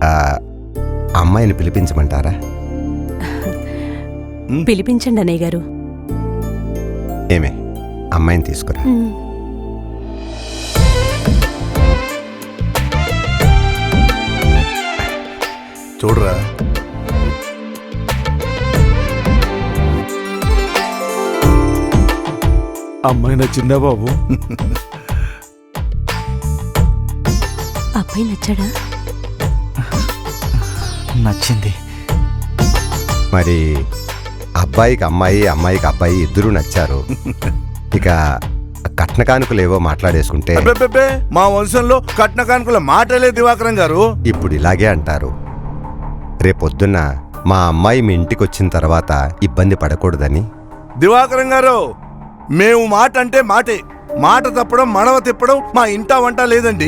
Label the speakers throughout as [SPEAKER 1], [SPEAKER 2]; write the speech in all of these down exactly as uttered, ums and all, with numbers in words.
[SPEAKER 1] అమ్మాయిని పిలిపించమంటారా?
[SPEAKER 2] పిలిపించండి అన్నయ్య గారు.
[SPEAKER 1] ఏమే, అమ్మాయిని తీసుకురా.
[SPEAKER 3] చూడరా,
[SPEAKER 4] అమ్మాయి నచ్చిందా బాబు?
[SPEAKER 2] అబ్బాయి నచ్చాడా?
[SPEAKER 4] నచ్చింది.
[SPEAKER 1] మరి అబ్బాయికి అమ్మాయి, అమ్మాయికి అబ్బాయి ఇద్దరూ నచ్చారు. ఇక కట్న కానుకలు ఏవో మాట్లాడేసుకుంటే.
[SPEAKER 3] అబ్బబ్బబ్బే, మా వంశంలో కట్న కానుకల మాటలే దివాకరం గారు.
[SPEAKER 1] ఇప్పుడు ఇలాగే అంటారు. రేపొద్దున్న మా అమ్మాయి మీ ఇంటికి వచ్చిన తర్వాత ఇబ్బంది పడకూడదని.
[SPEAKER 3] దివాకరం గారు, మేము మాట అంటే మాటే. మాట తప్పడం, మడవ తిప్పడం మా ఇంటా వంట లేదండి.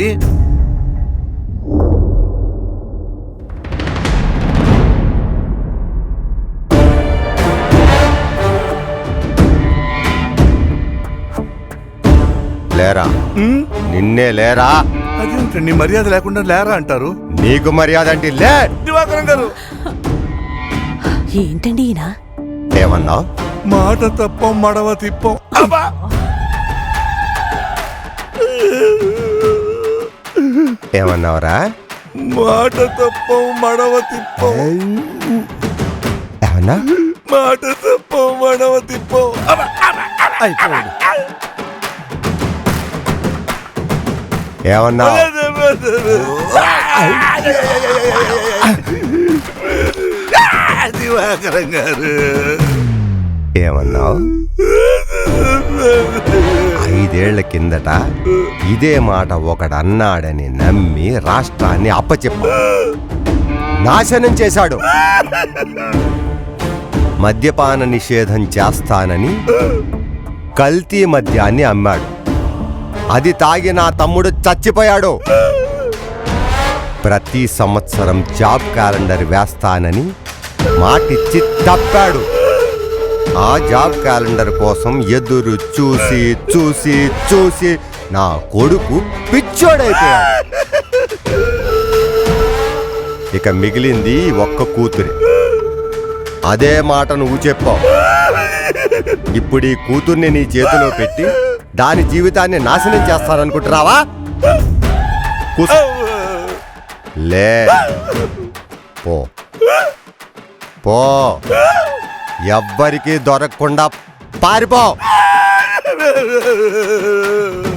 [SPEAKER 1] లేరా? నిన్నే లేరా?
[SPEAKER 3] అదేంటండి మర్యాద లేకుండా లేరా అంటారు?
[SPEAKER 1] నీకు మర్యాద అంటే లే.
[SPEAKER 3] దివాకరం గారు,
[SPEAKER 2] ఏంటండి ఈయన?
[SPEAKER 1] ఏమన్నావు?
[SPEAKER 3] మాట తప్పం, మడవ తిప్పం. అబ్బా!
[SPEAKER 1] ఏమన్నావురా?
[SPEAKER 3] మాట తప్పం, మడవ తిప్పం.
[SPEAKER 1] ఏమన్నా?
[SPEAKER 3] మాట తప్పం, మడవ తిప్పం.
[SPEAKER 4] అయిపోయాడు.
[SPEAKER 1] ఏమన్నా?
[SPEAKER 3] దివాకరం గారు,
[SPEAKER 1] ఏమన్నావు? ఐదేళ్ల కిందట ఇదే మాట ఒకడన్నాడని నమ్మి రాష్ట్రాన్ని అప్పచెప్ప నాశనం చేశాడు. మద్యపాన నిషేధం చేస్తానని కల్తీ మద్యాన్ని అమ్మాడు. అది తాగి నా తమ్ముడు చచ్చిపోయాడు. ప్రతి సంవత్సరం జాబ్ క్యాలెండర్ వేస్తానని మాటిచ్చి తప్పాడు. ఆ జాబ్ క్యాలెండర్ కోసం ఎదురు చూసి చూసి చూసి నా కొడుకు పిచ్చోడైపోయాడు. ఇక మిగిలింది ఒక్క కూతురే. అదే మాట నువ్వు చెప్పావు. ఇప్పుడు ఈ కూతుర్ని నీ చేతిలో పెట్టి దాని జీవితాన్ని నాశనం చేస్తాననుకుంటున్నావా? కూసు. లే, పో పో, ఎవ్వరికీ దొరకకుండా పారిపో.